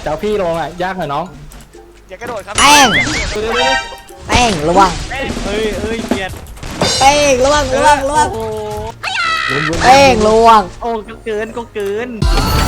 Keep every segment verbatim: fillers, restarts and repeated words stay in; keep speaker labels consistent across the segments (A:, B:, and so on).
A: เจ้าพี่ลงอ่ะยากหน่อยน้อง
B: อย่ากระโดดครับ
C: แป้งแป้งระวัง
B: เฮ้ยเฮ้ยเกียด
C: แป้งระวังระวังระวังแป้งระวัง
B: โอ้ก็เกินก็เกิน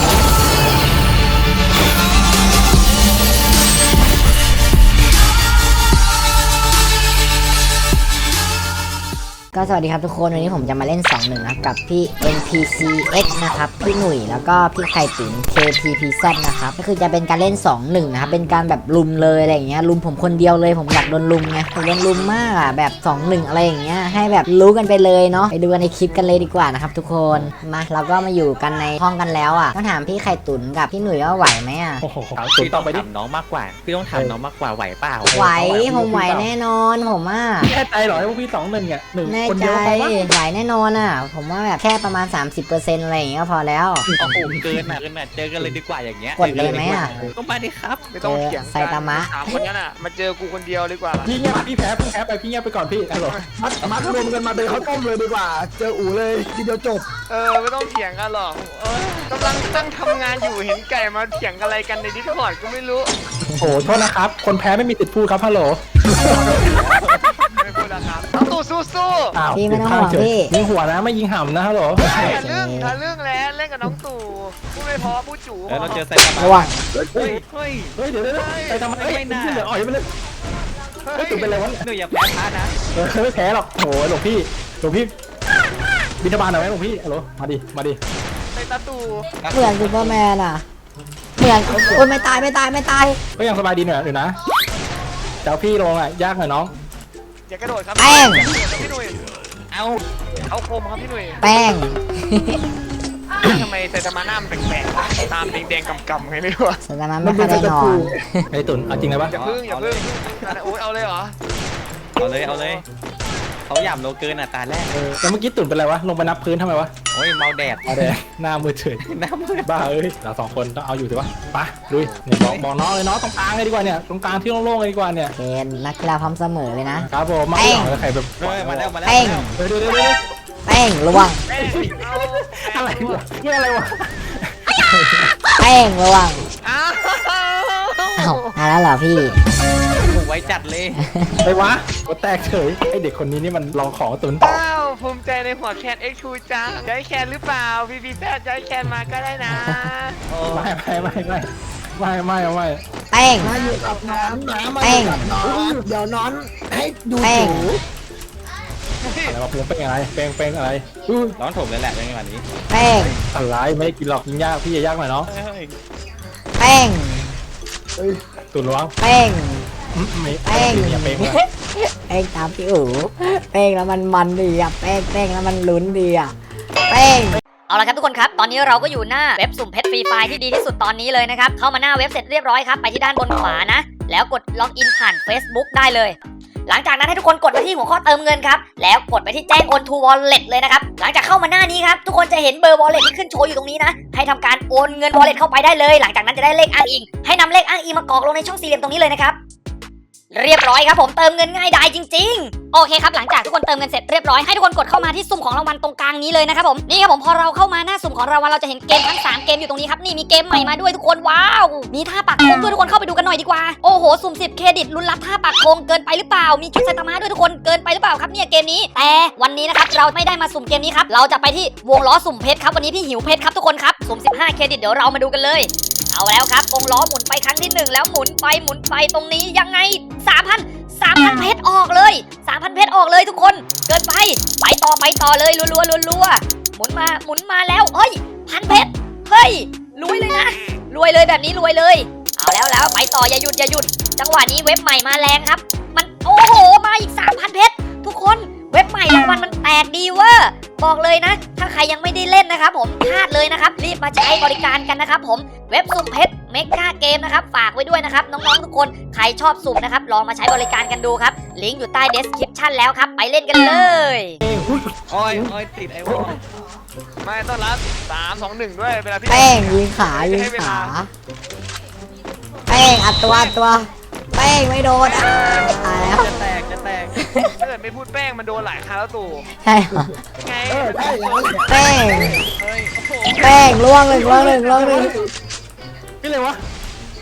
C: ก็สวัสดีครับทุกคนวันนี้ผมจะมาเล่น สองหนึ่ง นะกับพี่ เอ็น พี ซี เอ็กซ์ นะครับพี่หนุ่ยแล้วก็พี่ไข่ตุ๋น เค ที พี แซด นะครับก็คือจะเป็นการเล่น สองหนึ่ง นะครับเป็นการแบบลุมเลยอะไรอย่างเงี้ยลุมผมคนเดียวเลยผมอยากโดนลุมไงผมโดนลุมมากอ่ะแบบ สองหนึ่ง อะไรอย่างเงี้ยให้แบบรู้กันไปเลยเนาะไปดูกันในคลิปกันเลยดีกว่านะครับทุกคนมาเราก็มาอยู่กันในห้องกันแล้วอ่ะต้องถามพี่ไข่ตุ๋นกับพี่หนุ่ยว่าไหวไหมอ่ะ
A: โอ้โหตุ๋นต่อไปดิ
B: น้องมากกว่าพี่ต้องถามน้องมากกว่าไหวเปล่า
C: ไหวผมไหวแน่นอนผมอ่ะ
A: แน่ใจเหรอให้พวกพี่สองหนึ่งอ่ะหนึ่งคนเดียว
C: ไหวแน่นอนอ่ะผมว่าแบบแค่ประมาณ สามสิบเปอร์เซ็นต์ อะไรอย่างเงี้ยพอแล้ว
B: โอ้โหเกินอ่ะเกินอ่ะเจอกันเลยดีกว่าอย่างเงี้ย
C: กดเลยไหมอ่ะ
B: ก็มาดิครับ
C: ไม่ต้องเถียงไซตามะ
B: สามคนนั้นอ่ะมาเจอกูคนเดียวดีกว่า
A: พี่เงียบพี่แพ้พี่แพ้ไปพี่เงียบไปก่อนพี่ฮัลโหล
D: มัดมัดรวมกันมาเป็นข้าวต้มเลยดีกว่าเจออู่เลยทีเดียวจบ
B: เออไม่ต้องเถียงกันหรอกกำลังตั้งทำงานอยู่เห็นไก่มาเถียงอะไรกันในดิสคอร์ดก็ไม่รู้
A: โอ้โทษนะครับคนแพ้ไม่มีสิทธิ์พูดครับฮัลโหล
B: ไม่พูดนะครับต้องตู่สู้
C: ๆพี่ไม่ต้องห่วงพี่
A: ยิงหัวนะไม่ยิงห่ำนะฮัลโหล
B: ทะเรื่องทะเรื่องแล้วเล่นกับน้องตู่พูดไม่พอพูดจู่แล้วเราเจอไซตามะ
C: ระวัง
A: เฮ้ยเฮ้ยเฮ้ยเดี๋ยวเดี๋ยวไซตามะไม่น่าเหลืออ่อยไปเลยเฮ้ยตู่เป็นไรวะ
B: หนูอย่าแพ้ท้านะ
A: เออไม่แพ้หรอกโอ้หลวงพี่หลวงพี่บิณฑบาตหน่อยไหมหลวงพี่ฮัลโหลมาดิมาดิ
B: ไซตาตู่
C: เหมือนซูเปอร์แมนอ่ะเหมือนโอ้ยไม่ตายไม่ตายไม่ตาย
A: ก็ยังสบายดีหน่อยเดี๋ยวนะเจ้าพี่ลงอ่ะยากหน่อยน้อง
B: อย่ากระโดดครับ
C: แป้ง
B: พี่หนุ่ยเอาเอาคมครับพี่หนุ่ย
C: แป้ง
B: ทำไมไซตามะหน้ามันแปลกๆตามแดงๆกำๆไงไม่รู้
C: ไซตามะไม่ค่อยได้นอน
A: ไอ้ตุ่นเอาจริงเลยปะ
B: อย่าพึ่งอย่าพึ่งโอ้ยเอาเลยเหรอเอาเลยเอาเลยเขาหย่ำโลเกินอ่ะตาแรก
A: เออแต่เมื่อกี้ตุ่นเป็นไรวะลงไปนับพื้นทำไมวะ
B: โอ้ยเมาแดด
A: เมาแดดหน้ามือเฉย
B: หน้ามือ
A: บ้าเอ้ยเราสองคนต้องเอาอยู่ถือวะไปลุยเนี่ยบอกบอกน้องเลยน้องตรงกลางเลยดีกว่าเนี่ยตรงกลางที่โล่งๆเลยดีกว่าเนี่ย
C: เป็นนักกีฬาพร้อมเสมอเลยนะครับ
A: ผมมาแล้วใครแบบ
B: มาแล้วมาแล้ว
C: แป้ง
A: เดี๋ยวเดี๋ยวเดี๋ยว
C: แป้งระวัง
A: อะไรวะนี่อะไรวะ
C: แป้งระวัง
B: อ้าว
C: อ้าวมาแล้วเหรอพี่
B: ไว้จัดเลย
A: ไปวะก็แตกเฉยไอเด็กคนนี้นี่มันลองของตุน
B: อ้าวภูมิใจในหัวแคนเอ็กซ์ทูจังย้ายแคนหรือเปล่าพี่พี่แป๊ดย้ายแคนมาก็ได้นะ
A: ไม่ไม่ไม่ไม่ไม่ไม่ไม่
C: แป้ง
D: มาอยู่กับน้องน้ำมาอยู่กับน้องเดี๋ยวน้องให้ดูถู
A: อะไรมาพูดเป็นอะไรแป้งแป้งอะไร
B: ร้อนผมเลยแหละในวันนี้
C: แป้ง
A: อะไรไม่กินหรอกกินยากพี่จะยากหน่อยเนาะ
C: แป้ง
A: ตุนล้วง
C: แป้ง
A: ไม่
C: แป้ง
A: อย่าแป้งเลย
C: แป้งตามพี่อู๋แป้งแล้วมันมันดีอ่ะแป้งแป้งแล้วมันลุ้นดีอ่ะแป้งเอาละครับทุกคนครับตอนนี้เราก็อยู่หน้าเว็บสุ่มเพชรฟรีไฟล์ที่ดีที่สุดตอนนี้เลยนะครับเข้ามาหน้าเว็บเสร็จเรียบร้อยครับไปที่ด้านบนขวานะแล้วกดล็อกอินผ่าน Facebook ได้เลยหลังจากนั้นให้ทุกคนกดไปที่หัวข้อเติมเงินครับแล้วกดไปที่แจ้งโอนทู Wallet เลยนะครับหลังจากเข้ามาหน้านี้ครับทุกคนจะเห็นเบอร์ Wallet ที่ขึ้นโชว์อยู่ตรงนี้นะให้ทำการโอนเงิน Wallet เข้าไปได้เลยหลังจากนั้นจะได้เลขอ้างอิงให้นำเลขอ้างอิงมากรอกลงในช่องสี่เหลี่ยมตรงนี้เลยนะครับเรียบร้อยครับผมเติมเงินง่ายดายจริงๆโอเคครับหลังจากทุกคนเติมเงินเสร็จเรียบร้อยให้ทุกคนกดเข้ามาที่สุ่มของรางวัลตรงกลางนี้เลยนะครับผมนี่ครับผมพอเราเข้ามาหน้าสุ่มของรางวัลเราจะเห็นเกมทั้งสามเกมอยู่ตรงนี้ครับนี่มีเกมใหม่มาด้วยทุกคนว้าวมีท่าปักธงด้วยทุกคนเข้าไปดูกันหน่อยดีกว่าโอ้โหสุ่มสิบเครดิตลุ้นรับท่าปักธงเกินไปหรือเปล่ามีชุดไซตามะด้วยทุกคนเกินไปหรือเปล่าครับเนี่ยเกมนี้แต่วันนี้นะครับเราไม่ได้มาสุ่มเกมนี้ครับเราจะไปที่วงล้อสุ่มเพชรครับวันนี้พี่หิวเพชรครับทุกคนครับสุ่มสิบห้าเครดิตเดี๋ยวเรามาดูกันเลยเอาแล้วครับวงล้อหมุนไปครั้งที่หนึ่งแล้วหมุนไปหมุนไปตรงนี้ยังไง สามพัน สามพัน เพชรออกเลย สามพัน เพชรออกเลยทุกคนเกินไปไปต่อไปต่อเลยรัวๆรัวๆหมุนมาหมุนมาแล้วเฮ้ยพันเพชรเฮ้ยรวยเลยนะรวยเลยแบบนี้รวยเลยเอาแล้วแล้วไปต่ออย่าหยุดอย่าหยุดจังหวะนี้เว็บใหม่มาแรงครับมันโอ้โหมาอีก สามพัน เพชรทุกคนเว็บใหม่รางวัลมันแตกดีเว้อบอกเลยนะถ้าใครยังไม่ได้เล่นนะครับผมพลาดเลยนะครับรีบมาใช้บริการกันนะครับผมเว็บสุ่มเพชรเมกาเกมนะครับฝากไว้ด้วยนะครับน้องๆทุกคนใครชอบสุ่มนะครับลองมาใช้บริการกันดูครับลิงก์อยู่ใต้ description แล้วครับไปเล่นกันเลย
B: โอ้ยโอ้ยติดไอ้วอไม่ต้อนรับสาม สอง หนึ่งด้วยเวลาพี่
C: แป้งยิงขายิงขาแป้งอัดตัวอัดตัวแป้งไม่โดนอ่ะตายแล้ว
B: จะแตกจะแตกถ้าเกิดไม่พูดแป้งมันโดนหลายครั้งแล้วตู่
C: ใช่เหรอ
B: ไง
C: แป้งแป้งล่วงหนึ่งล่วงหนึ่งล่วงหนึ่ง
A: นี่เลยวะ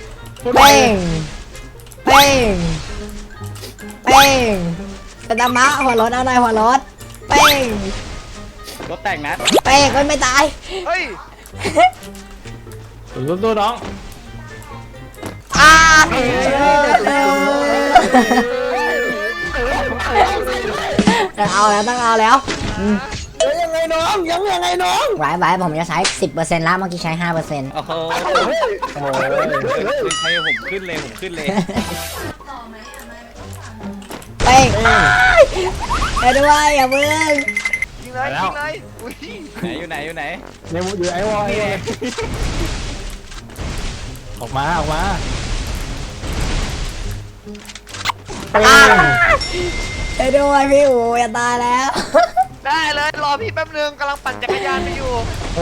C: เป้งเป้งเป้งสตาร์มะหัวรถเอาหน่อยหัวรถเป้ง
E: รถแต่งนะ
C: เป้งก็ไม่ตาย
B: เฮ้ย
A: สู้ๆน้อง
C: อ้าต้องเอาแล้วต้องเอาแล้วอืม
D: เฮ้ยยังไงน้องยังยังไงน้อง
C: ไว้ไว้ผมจะใช้ สิบเปอร์เซ็นต์ แล้วเมื่อกี้ใช้ ห้าเปอร์เซ็นต์
E: โอ้โห
A: โอ้ย
E: ขึ้นให้ผมขึ้นเลยผมขึ้นเลย
C: เป้งไปด้วยอย่าเพิ่ง
B: ยิงเลยยิงเลยอุ้ย
E: ไหนอยู่ไหนอยู่ไหน
A: ในอยู่ไอ้วอยออกมาออกมา
C: ไปด้วยพี่อูอย่าตายแล้ว
B: ได้เลยรอพี่แป๊บนึงกำลังปั่นจักรยานไปอยู่
A: โอ้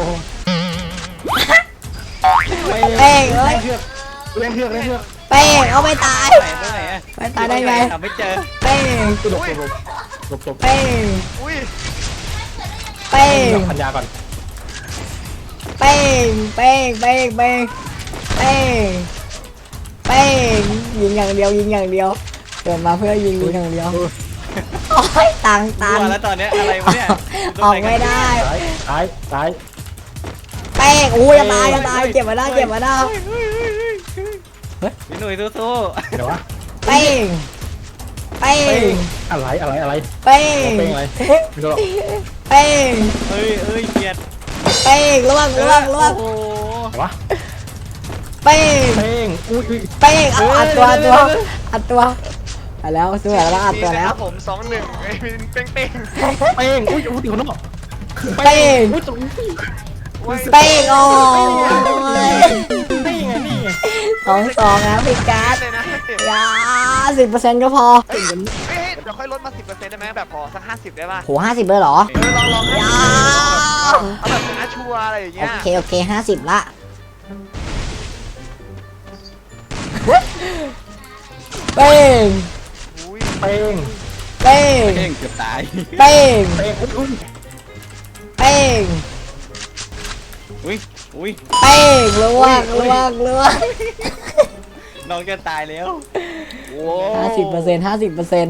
C: เป้งเอ้ย
A: เชือกเล่นเชือกเล่นเชือก
C: เป้งเอาไม่ตาย
E: ไหนตรงไหนอะ
C: ไม่ตายได้ไง
E: ทำไม่เจอ
C: เป้ง
A: หลบหลบหลบหลบหลบ
C: เป้ง
B: อุ้ย
C: เป้ง
A: พันยาก่อน
C: เป้งเป้งเป้งเป้งเป้งเป้งยิงอย่างเดียวยิงอย่างเดียวเกิดมาเพื่อยิงยิงอย่างเดียวโอ้ยตังตัง
E: ตัวแล้วตอนเนี้ยอะไรวะเนี่ย
C: ออกไม่ได้
A: ซ้ายซ้ายซ้าย
C: เป้งอู้จะตายจะตายเจ็บมาได้เจ็บมาได้
E: พี่หนุ่ยสู้
A: เดี๋ยววะ
C: เป้งเป้ง
A: อะไรอะไรอะไร
C: เป้ง
A: เป้งอะไรไม่รู้หรอก
C: เป้ง
E: ๆเอ้ยเอ้ยเกลียด
C: เป้งล่วงล่วงล่วง
E: โอ้โห
A: อะไรวะ
C: เป้ง
A: เป้งอุ้ยอุ้ย
C: เป้งเอาอัดตัวอัดตัวอัดตัวไปแล้วสวยแล้วอัดตัวแล้ว
B: ผมสองหนึ่งไอ้วินเป้งเป้ง
A: เป้งอุ้ยอุ้ยตีคนนอก
C: เป้ง
A: อุ้ยตุ้ย
C: เป้งโอ้ย
A: นี่ไงนี่ไง
C: สองสองแล้วพี่การ์ด
B: เลยนะ
C: ยาสิบเปอร์เซ็นต์ก็พอ
B: เฮ้ยเดี๋ยวค่อยลดมาสิบเปอร์เซ็นต์ได้ไหมแบบพอสักห้าสิบได้ป่ะ
C: โหห้าสิบเลยเหรอ
B: เออลองลอง
C: ยา
B: เอาแบบชนะชัวร์อะไรอย่าง
C: โอ
B: เงี้ย
C: เคโอเคห้าสิบละเป้ง
B: อุ้ย
A: เป้ง
C: เป้ง
E: เพ่งเกือบตาย
C: เป้ง
A: เป้งอุ้ยอุ้ย
C: เป้ง
E: อุ้ยอุ้ย
C: เป้งล่วงล่วงล่วง
E: น้องจะตายแล้วโอ้
C: ห้าสิบเปอร์เซ็นต์ห้าสิบเปอร์เซ็นต์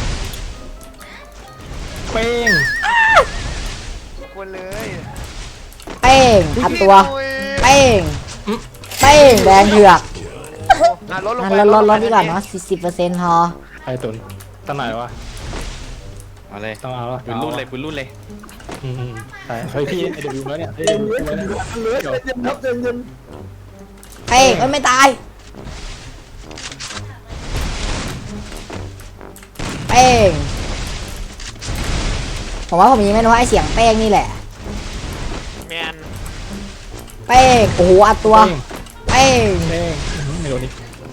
A: เป้ง
B: ควรเลย
C: เป้งอัดตัว
B: อุ้ย
C: เป้งเป้งแดงเถือก
B: อ่ะลดลง
C: อ่ะ
B: ไป
C: ลดลดลด
B: งไป
C: ดีกว่าเนาะสี่สิบเปอร์เซ็นต์พอ
A: ไอ้ตุนตั้งไหนวะ
E: เอาเลย
A: ต้องเอาละ
E: ปืนรุ่นเลยปืนรุ่นเลย
A: อืมใช่เฮ้ยพี่ไอ้เดบิวต์แล้วเนี่ยเฮ้ยเดบิวต์แล้วเนี่ย
D: เหลือเย็นครับเย็นเย็น
C: เป้งเอ้ยไม่ตายเป้งผมว่าผมยิงไม่รู้ไอ้เสียงเป้งนี่แหละ
B: แมน
C: เป้งโอ้โหอัดตัวเป้ง
A: เป้งอื้อหือไม่โดนนี่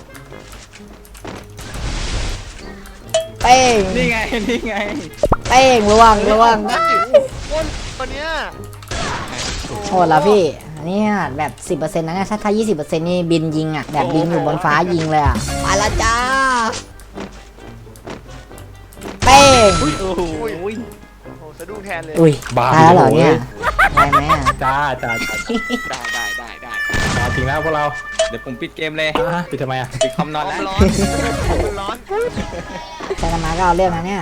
C: เป้ง
E: นี่ไงนี่ไง
C: เป้งระวังระวัง
B: คนตัวเนี้ย
C: โหดแล้วพี่อันเนี่ยแบบ สิบเปอร์เซ็นต์นะเนี่ยถ้าถ้ายี่สิบเปอร์เซ็นต์นี่บินยิงอ่ะแบบบินอยู่บนฟ้ายิงเลยอ่ะไปละจ้าเป้ง
E: อุ้ยโอ้โห
B: โอ้โหสะดุ้งแทนเลย
C: อุ้ย
A: บ้า
C: ตายแล้วเหรอเนี่ยได้ไหมอ่ะ
A: จ้าจ้าจ้า
B: ได้ได้ได้ได้
A: จ้าจริงแล้วพวกเรา
E: เดี๋ยวผมปิดเกมเลย
A: อ่ะปิดทำไมอ่ะ
E: ปิดคอมนอนแล้ว
B: ร้อนมันร้อน
C: ใช้ธรรมะก็เอาเรื่องนะเนี่ย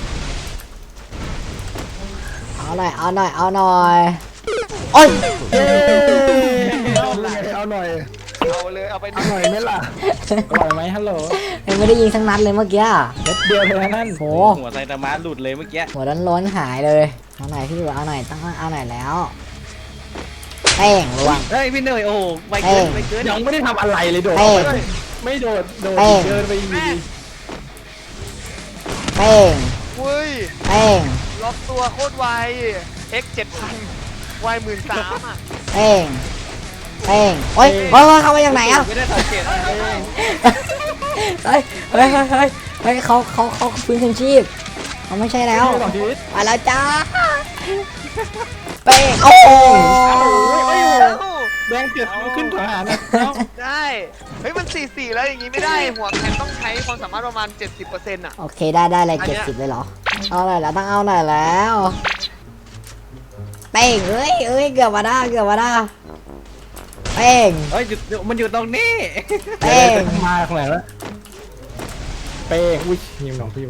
C: เอาหน่อยเอาหน่อยเอาหน่อยโอ้ย
A: เอาหน่อยเอาหน่อย
B: เอาเลยเอาไป
A: เอาหน่อยไหมล่ะอร่อยไหมฮัลโหล
C: ยังไม่ได้ยิงสักนัดเลยเมื่อกี้
A: เม็ดเดียวเลยนะนั่น
C: โห
E: หัวไซตามะหลุดเลยเมื่อกี้
C: หัวล้นๆหายเลยเอาหน่อยพี่เอาหน่อยต้องเอาหน่อยแล้วเป้งระวัง
E: เฮ้ยพี่เหนื่อยโอ้โหไปเกิน
C: เอ้ย
E: ไปเกิน
A: ยังไม่ได้ทำอะไรเลยโดด
C: เป้ง
A: ไม่โดดโดด
C: เป้ง
A: เดินไปอยู่ดี
C: เป้ง
B: อุ้ย
C: เป้ง
B: ล็อกตัวโคตรไว x เจ็ดพันไวหมื่นสามอ่ะ
C: เป้งเป้งโอ้ยโอ้ยโอ้ยเข้ามาจากไหนอ่ะ
E: ไม่ได้สังเกตอะไรเลย
C: เฮ้ยเฮ้ยเฮ้ยเฮ้ยเฮ้ยเขาเขาเขาฟื้นคืนชีพเขาไม่ใช่แล้ว
A: สองชีวิต
C: ไปแล้วจ้าเป้งโอ้โห
A: แดงเกือบขึ้นทหารนะ
B: ได้ เฮ้ยมันสี่สี่แล้วอย่างงี้ไม่ได้ หัวแคนต้องใช้ความสามารถประมาณ เจ็ดสิบเปอร์เซ็นต์อ่ะ
C: โอเคได้ได้เลย
B: อัน
C: เจ็
B: เนี้
C: ด
B: ย
C: สิบเลยเหรอเอาหน่อยแล้วต้องเอาหน่อยแล้วเป้งเอ้ยเอ้ยเกือบมาได้เกือบมาได้เป้ง
E: เฮ้ยหยุดมันอยู่ตรงนี้
C: เป้ง
A: มาข้างไหนแล้วเป้งอุ้ยยิงน้องพี่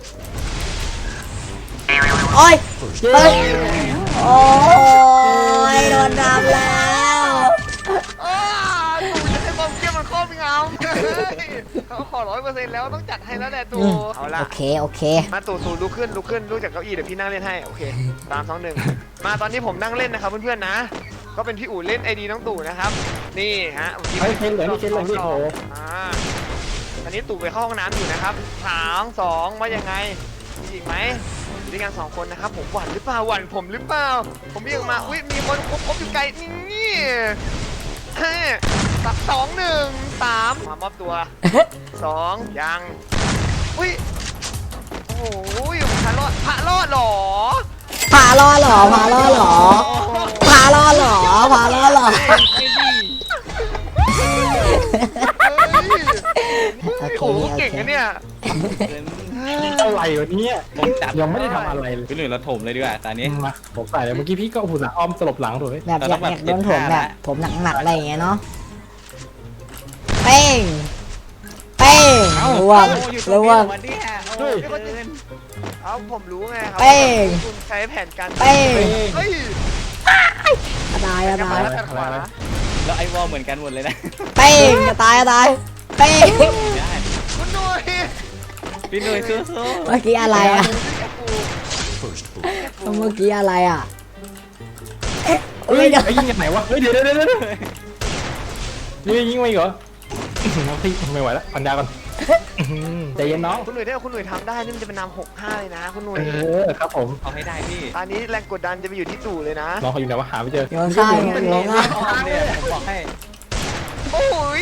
C: โอ้ยเฮ้ยโอ้ยโดนดับแล้ว
B: อ้าตู่จะให้ความเกี้ยมันครอบงำเขาขอร้อยเปอร์เซ็นต์แล้วต้องจัดให้แล้วแหละตู่เอาละ
C: โอเคโอเค
B: มาตู่ตู่ลุกขึ้นลุกขึ้นลุกจากเก้าอี้เดี๋ยวพี่นั่งเล่นให้โอเคสามสองหนึ่งมาตอนนี้ผมนั่งเล่นนะครับเพื่อนๆนะก็เป็นพี่อู๋เล่นไอดีน้องตู่นะครับนี่ฮะ
A: เฮ้ยเช่นเลยนี่เช่นเลยนี่โอ้
B: อ่าตอนนี้ตู่ไปเข้าห้องน้ำอยู่นะครับสามสองว่ายังไงมีอีกไหมอยู่ด้วยกันสองคนนะครับผมหวั่นหรือเปล่าหวั่นผมหรือเปล่าผมเรียกมาอุ้ยมีคนครบครบอยู่ไกลนี่ห้าสักสองหนึ่งสามมามอบตัวสองยังอุ้ยโอ้โหพระรอดพระรอดหรอ
C: พาล่อหรอพาล่อหรอพาล่อหรอพาล่อหรอ
B: ไอ้ดิ
C: โอเค
B: โอ้โห
C: โอ
B: เก่ง
C: เค
B: นะเนี่ย
A: อะไรวะเนี่ย
E: ผมจับ
A: ยังไม่ได้ทำอะไรเลย
E: พี่หนุ่ยเราถมเลยดีกว่าตอนนี้
A: มาผมใส่เลยเมื่อกี้พี่ก็หูหลังอ้อมตลบหลังถูกไหม
C: แบบอยาก
E: เราต้องแบบ
C: อยากโดนผม
E: เจ็ดห้า
C: แบบ
E: ละ
C: ผมหนักๆอะไรอย่างเงี้ยเนาะเป้งเป้งร่วง
E: โอ้อยู่ตรง
C: ร่ว
E: นี้
C: ง
E: วันนี้โอ้ยเกิน
B: เอาผมรู้ไงครั
C: เป้ง
B: คุณใช้แผนการ
C: เป้ง
B: เฮ้ย
C: จะตายจะ
B: กระ
C: ตาย
B: แล้วกันขวา
E: แล้วไอ้วอลเหมือนกันหมดเลยนะ
C: เป้งจะตายจะตายเป้ง
E: ได้
B: คุณหนุ่ย
E: พี่หนุ่ยสู้
C: เมื่อกี้อะไรอ่ะ
B: กู
C: เมื่อกี้อะไรอ่ะ
A: เฮ้
C: เอ้
A: ย
C: ยเดี๋ยว
A: ไอ้ยิงจากไหนวะเฮ้ยเดี๋ยวเดี๋ยวเดี๋ยวเดี๋ยวนี่ยิงมาอีกเหรอน้องพี่ไม่ไหวแล้วปัญญาก่อนใจเย็นน้อง
B: คุณหนุ่ยถ้าคุณหนุ่ยทำได้นี่มันจะเป็นนำหกห้าเลยนะ คุณหนุ่ย
A: เออครับผม
E: ๆเอาให้ได้พี่
B: ตอนนี้แรงกดดันจะไปอยู่ที่ตู่เลยนะ
A: น้องเขาอยู่ไหนวะหาไม่เจอ
C: โยนข้างโยนข้าง
E: เอาเนี่ยผมบอกให้
B: โอ้ย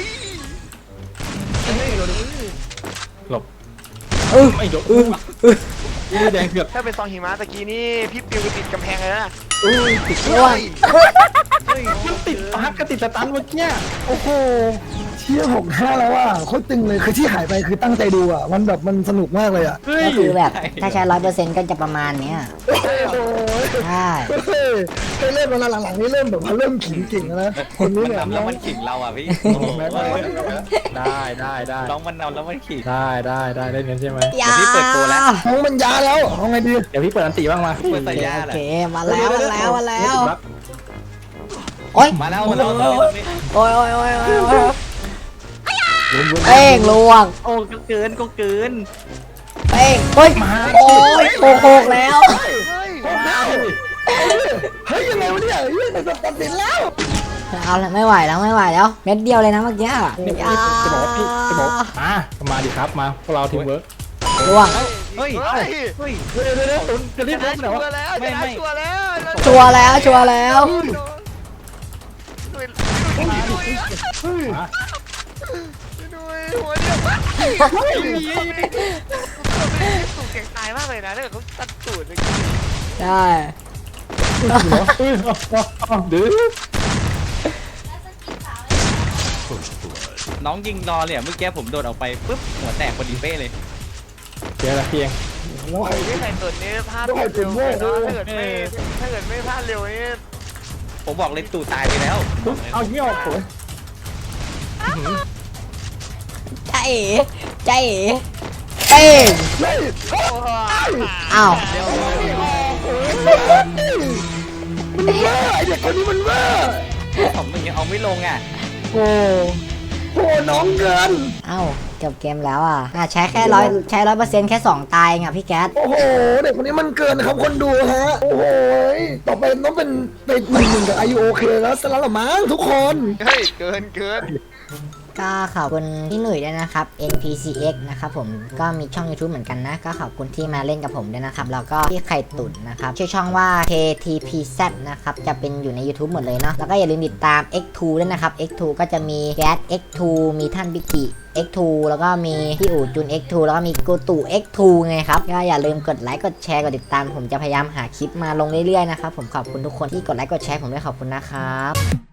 A: หลบ
C: เออ
A: ไม่โดน
C: เออเออ
A: นี่แดงเถือก
B: ถ้าเป็นซองหิมะตะกี้นี่พี่ปิวไปติดกำแพงเลยนะ
A: อุ้ยติด
C: ร่วง
A: มันติดปาร์กกับติดสตันเมื่อกี้โอ้โห
D: เชี่ยหกห้าแล้วอ่ะโคตรตึงเลยคือที่หายไปคือตั้งใจดูอ่ะมันแบบมันสนุกมากเลยอ่ะ
A: เฮ้ย
C: ก็คือแบบถ้าใช้ร้อยเปอร์เซ็นต์ก็จะประมาณเนี้ย
D: โอ้ย
C: ใช่
D: เฮ้ยเคยเล่นมาหลังๆนี่เริ่มแบบว่าเริ่มขิงเก่งแล้วนะคนนี้
E: มัน
D: เนี่ย
E: นำแล้วมันขิงเราอ่ะพี่
A: ได้ได้ได้
E: น้องมันนำแล้วมันขิง
A: ได้ได้ได้ได้เงินใช่ไหม
C: อย่า
E: พี่เปิดโปรแล้ว
D: น้องมันยาแล้วเอาไงดี
A: เดี๋ยวพี่เปิดอันตีบ้างมา
E: เปิด
C: โอ
E: ใส่
C: เค
E: ย่า
C: โอ
E: แหละ
C: เคมาแล้วมาแล้วมาแล้วโอ๊ย
E: มาแล้วมาแล้วมาแล้ว
C: โอ๊ยโอ๊ยโอ๊ยโอ๊ยโอ๊ย
A: ลุ้นลุ้น
C: เป้งลวง
E: โอ้ก็เกินก็เกิน
C: เป้งเฮ้ยโอ้ยโคกโคกแล้ว
B: เฮ้ย
D: เฮ้ยยังไงวะเนี่ยเฮ้ยแต่ตัดสินแล้ว
C: เอาละไม่ไหวแล้วไม่ไหวแล้วเม็ดเดียวเลยนะเมื่อกี้
A: นี่จะบอกว่าพี่จะบอกมามาดิครับมาพวกเราทีมเวิร์ก
C: ลวง
E: เฮ้ย
B: เฮ้ย
E: เฮ้ย
A: เดี๋ยวเดี๋ยวเดี๋ยวตุนจะรีบ
B: ช
A: ร
B: นะ
A: บไหน
B: ชัว
A: วะ
B: ร์แล้ว
E: ไม่
B: ชนะ
E: ไม่
B: ชัวร์แล้ว
C: ชัวร์แล้วชัวร์แล้ว
B: หนุ่ยหนุ่ยหนุ่ยหนุ่ย
A: มา
B: หนุ่ยหัวเดียวตู่เก่งตายมากเลยนะถ้าเกิดเขาตัดตูดเลย
C: ใช่
A: เฮ้ยดื้อ
E: น้องยิงรอเลยเมื่อกี้ผมโดดออกไปปุ๊บหัวแตกพอดีเป้เลย
A: เดี๋ยวละเพียง
D: แล้วใคร
B: ไม่ใส่ตูดนี่พลาดเร็วเลยนะถ้าเกิดไม่ถ้าเกิดไม่พลาดเร็วนี่
E: ผมบอกเลยตู่ตายไปแล้ว
A: เอาไม่ออกโผล่
C: ใจเอ๋ใจเอ๋เป้งอ้าว
E: เร็ว
D: มันว่าไอเด็กคนนี้มันว่า
E: ผมมันยังเอาไม่ลงอ่ะ
D: โอ้โหน้องเกิน
C: เอ้าจบเกมแล้วอ่ะอ่ะใช้แค่ร้อยใช้ร้อยเปอร์เซ็นต์แค่สองตายไงพี่แก๊ส
D: โอ้โหเด็กคนนี้มันเกินนะครับคนดูฮะโอ้โหต่อไปต้องเป็นเป็นหนึ่งหนึ่งกับไอโอเคแล้วสลับละมั้งทุกคน
B: เฮ้ยเกินเกิน
C: ก็ขอบคุณพี่หนุ่ยด้วยนะครับ เอ็น พี ซี เอ็กซ์ นะครับผมก็มีช่อง YouTube เหมือนกันนะก็ขอบคุณที่มาเล่นกับผมด้วยนะครับแล้วก็พี่ไข่ตุ๋นนะครับชื่อช่องว่า เค ที พี แซด นะครับจะเป็นอยู่ใน YouTube หมดเลยเนาะแล้วก็อย่าลืมติดตาม เอ็กซ์ ทู ด้วยนะครับ เอ็กซ์ ทู ก็จะมีแก๊ส เอ็กซ์ ทู มีท่านบิกิ เอ็กซ์ ทู แล้วก็มีพี่อู๋จุน เอ็กซ์ ทู แล้วก็มีกูตู่ เอ็กซ์ ทู ไงครับก็อย่าลืมกดไลค์กดแชร์กดติดตามผมจะพยายามหาคลิปมาลงเรื่อยๆนะครับผมขอบคุณทุกคนที่กดไลค์กดแชร์ผมด้วยขอบคุณนะครับ